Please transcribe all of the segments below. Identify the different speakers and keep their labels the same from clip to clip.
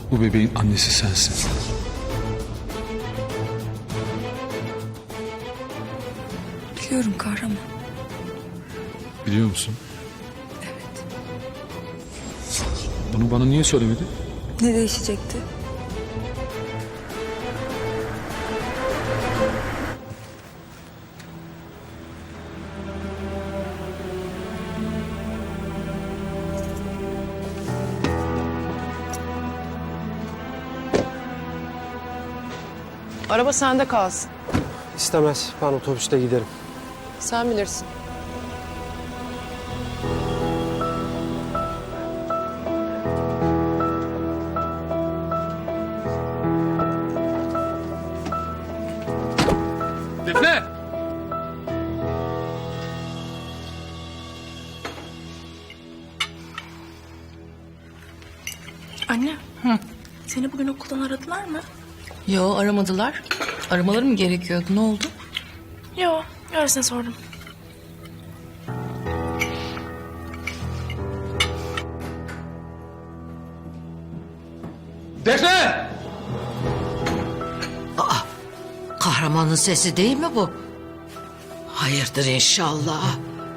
Speaker 1: Bu bebeğin annesi sensin.
Speaker 2: Biliyorum kahraman.
Speaker 1: Biliyor musun?
Speaker 2: Evet.
Speaker 1: Bunu bana niye söylemedin?
Speaker 2: Ne değişecekti?
Speaker 3: Araba sende kalsın.
Speaker 4: İstemez. Ben otobüste giderim.
Speaker 3: Sen bilirsin.
Speaker 1: Defne!
Speaker 5: Anne. Seni bugün okuldan aradılar mı?
Speaker 6: Yo, aramadılar. Aramaları mı gerekiyordu? Ne oldu?
Speaker 5: Yo, öylesine sordum.
Speaker 1: Defne!
Speaker 7: Kahramanın sesi değil mi bu? Hayırdır inşallah.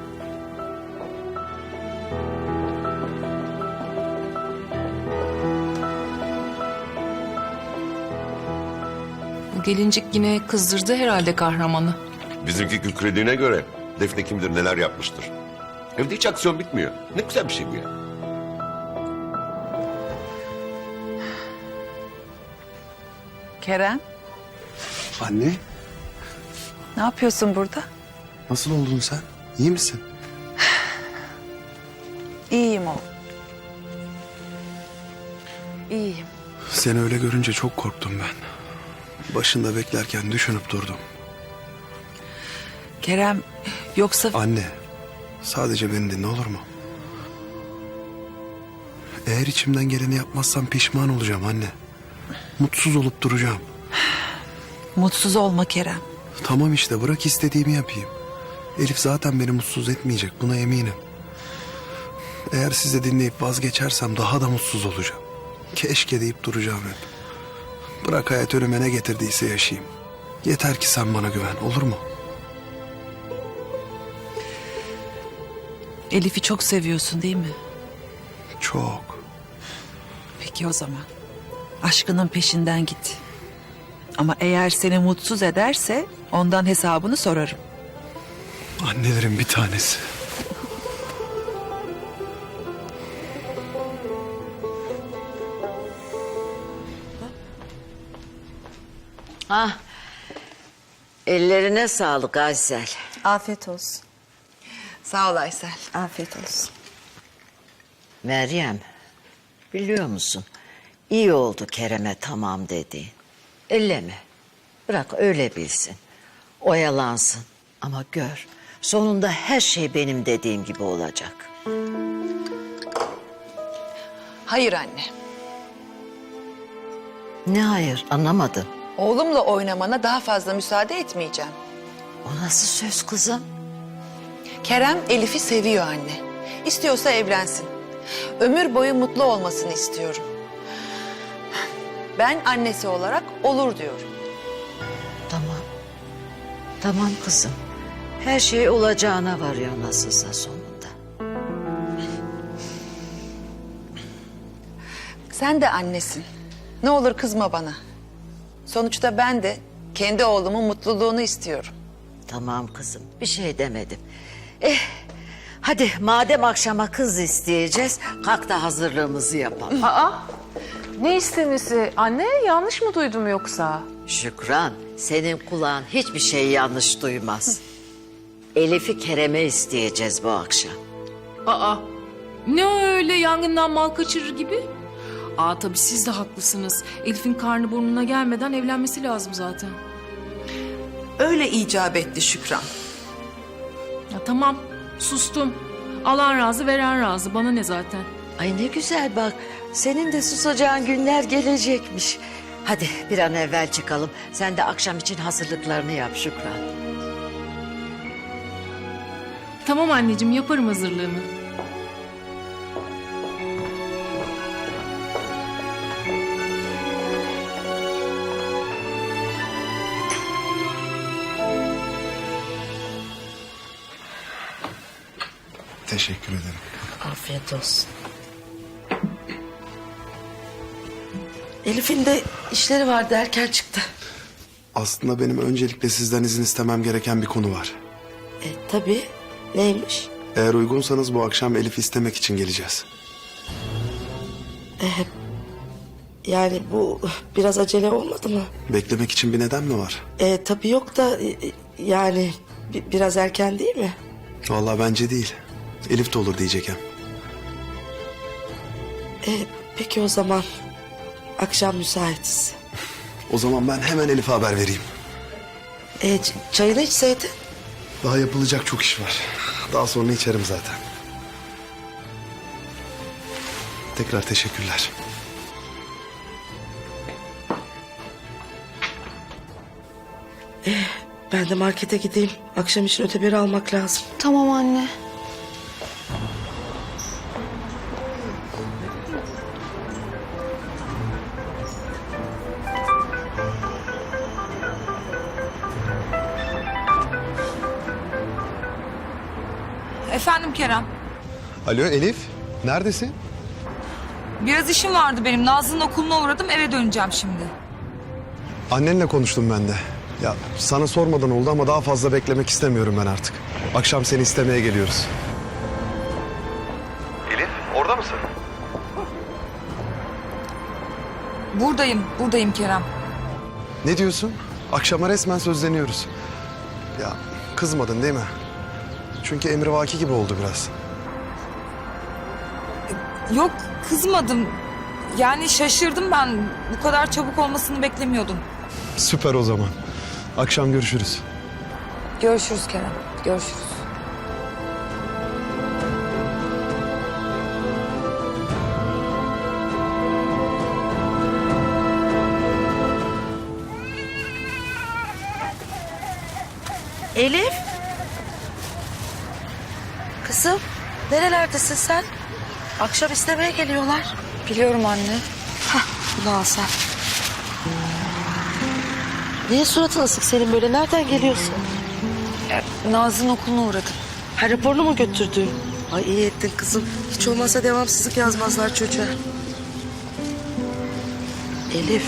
Speaker 6: Bu gelincik yine kızdırdı herhalde kahramanı.
Speaker 8: Bizimki kükrediğine göre Defne kimdir neler yapmıştır. Evde hiç aksiyon bitmiyor. Ne güzel bir şey bu ya.
Speaker 9: Kerem,
Speaker 10: Anne,
Speaker 9: ne yapıyorsun burada?
Speaker 10: nasıl oldun sen? İyi misin?
Speaker 9: İyiyim oğlum. İyiyim.
Speaker 10: Seni öyle görünce çok korktum ben. Başında beklerken düşünüp durdum.
Speaker 9: Kerem, yoksa
Speaker 10: Anne, sadece beni dinle olur mu? Eğer içimden geleni yapmazsam pişman olacağım anne. Mutsuz olup duracağım.
Speaker 9: mutsuz olma Kerem.
Speaker 10: Tamam işte bırak istediğimi yapayım. Elif zaten beni mutsuz etmeyecek buna eminim. Eğer sizi dinleyip vazgeçersem daha da mutsuz olacağım. Keşke deyip duracağım hep. Bırak hayat önüme ne getirdiyse yaşayayım. Yeter ki sen bana güven olur mu?
Speaker 9: Elif'i çok seviyorsun değil mi?
Speaker 10: Çok.
Speaker 9: Peki o zaman. Aşkının peşinden git. Ama eğer seni mutsuz ederse ondan hesabını sorarım.
Speaker 10: Annelerin bir tanesi.
Speaker 7: Ah, ellerine sağlık Aysel.
Speaker 2: Afiyet olsun.
Speaker 9: Sağ ol Aysel.
Speaker 2: Afiyet olsun.
Speaker 7: Meryem, biliyor musun? İyi oldu Kerem'e tamam dediğin. Elleme. Bırak öyle bilsin. Oyalansın. Ama gör, sonunda her şey benim dediğim gibi olacak.
Speaker 9: Hayır anne.
Speaker 7: Ne hayır, anlamadım.
Speaker 9: Oğlumla oynamana daha fazla müsaade etmeyeceğim.
Speaker 7: O nasıl söz kızım?
Speaker 9: Kerem Elif'i seviyor anne. İstiyorsa evlensin. Ömür boyu mutlu olmasını istiyorum. Ben annesi olarak olur diyorum.
Speaker 7: Tamam. Tamam kızım. Her şey olacağına varıyor nasılsa sonunda.
Speaker 9: Sen de annesin. Ne olur kızma bana. Sonuçta ben de kendi oğlumun mutluluğunu istiyorum.
Speaker 7: Tamam kızım, bir şey demedim. Hadi madem akşama kız isteyeceğiz, kalk da hazırlığımızı yapalım.
Speaker 3: Ne istemesi? Anne yanlış mı duydum yoksa?
Speaker 7: Şükran, senin kulağın hiçbir şeyi yanlış duymaz. Elif'i Kerem'e isteyeceğiz bu akşam.
Speaker 6: Aa, ne öyle yangından mal kaçırır gibi? Tabii siz de haklısınız. Elif'in karnı burnuna gelmeden evlenmesi lazım zaten.
Speaker 9: Öyle icap etti Şükran.
Speaker 6: Ya tamam, sustum. Alan razı, veren razı. Bana ne zaten?
Speaker 7: Ay ne güzel bak, senin de susacağın günler gelecekmiş. Hadi bir an evvel çıkalım. Sen de akşam için hazırlıklarını yap Şükran.
Speaker 6: Tamam anneciğim, yaparım hazırlığını.
Speaker 10: Teşekkür ederim.
Speaker 5: Afiyet olsun. Elif'in de işleri vardı, erken çıktı.
Speaker 10: Aslında benim öncelikle sizden izin istemem gereken bir konu var.
Speaker 5: Tabii. Neymiş?
Speaker 10: Eğer uygunsanız bu akşam Elif'i istemek için geleceğiz.
Speaker 5: Yani bu biraz acele olmadı mı?
Speaker 10: Beklemek için bir neden mi var?
Speaker 5: Tabii yok da yani biraz erken değil mi?
Speaker 10: Vallahi bence değil. Elif de olur diyecekken.
Speaker 5: Peki o zaman akşam müsaitiz.
Speaker 10: O zaman ben hemen Elif'e haber vereyim.
Speaker 5: Çayını içseydin.
Speaker 10: Daha yapılacak çok iş var. Daha sonra içerim zaten. Tekrar teşekkürler.
Speaker 5: Ben de markete gideyim. Akşam için öteberi almak lazım.
Speaker 2: Tamam anne.
Speaker 11: Efendim Kerem.
Speaker 10: Alo Elif, neredesin?
Speaker 11: Biraz işim vardı benim. Nazlı'nın okuluna uğradım, eve döneceğim şimdi.
Speaker 10: Annenle konuştum ben de. Ya sana sormadan oldu ama daha fazla beklemek istemiyorum ben artık. Akşam seni istemeye geliyoruz. Elif, orada mısın?
Speaker 11: Buradayım Kerem.
Speaker 10: Ne diyorsun? Akşama resmen sözleniyoruz. Ya kızmadın değil mi? Çünkü emrivaki gibi oldu biraz.
Speaker 11: Yok, kızmadım. Yani şaşırdım ben. Bu kadar çabuk olmasını beklemiyordum.
Speaker 10: Süper o zaman. Akşam görüşürüz.
Speaker 11: Görüşürüz Kerem, görüşürüz.
Speaker 5: Elif. Kızım, nerelerdesin sen? Akşam istemeye geliyorlar.
Speaker 2: Biliyorum anne.
Speaker 5: Bunu al sen. Niye suratın asık senin böyle? Nereden geliyorsun?
Speaker 2: Nazlı'nın okuluna uğradım.
Speaker 5: Ha, raporunu mu götürdün? Ay iyi ettin kızım. Hiç olmazsa devamsızlık yazmazlar çocuğa. Elif.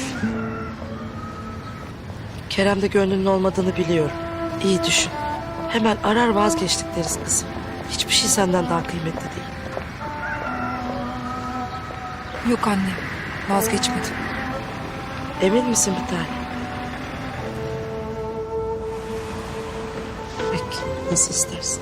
Speaker 5: Kerem'de gönlünün olmadığını biliyorum. İyi düşün. Hemen arar vazgeçtik deriz kızım. Hiçbir şey senden daha kıymetli değil.
Speaker 11: Yok anne, vazgeçmedim.
Speaker 5: Emin misin bir tane? Peki, nasıl istersin?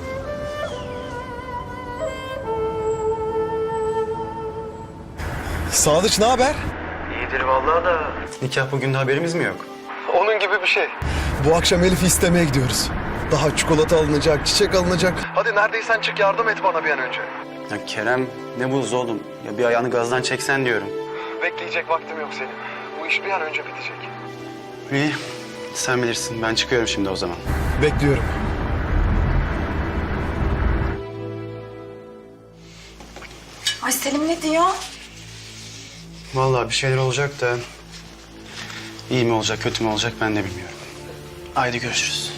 Speaker 10: Sadıç ne haber?
Speaker 4: İyidir vallahi da. Nikah bugün de haberimiz mi yok?
Speaker 10: Onun gibi bir şey. Bu akşam Elif'i istemeye gidiyoruz. Daha çikolata alınacak, çiçek alınacak. Hadi neredeysen çık yardım et bana bir an önce.
Speaker 4: Ya Kerem ne buz oğlum? Ya bir ayağını gazdan çeksen diyorum.
Speaker 10: Bekleyecek vaktim yok senin. Bu iş bir an önce bitecek.
Speaker 4: İyi sen bilirsin ben çıkıyorum şimdi o zaman.
Speaker 10: Bekliyorum.
Speaker 11: Ay Selim ne diyor?
Speaker 4: Vallahi bir şeyler olacak da... iyi mi olacak kötü mü olacak ben de bilmiyorum. Haydi görüşürüz.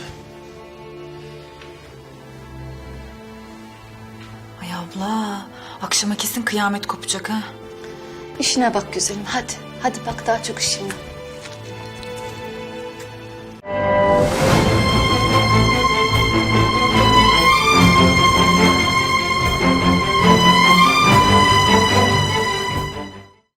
Speaker 11: Ay abla, akşama kesin kıyamet kopacak ha.
Speaker 2: İşine bak güzelim hadi. Hadi bak daha çok işim var.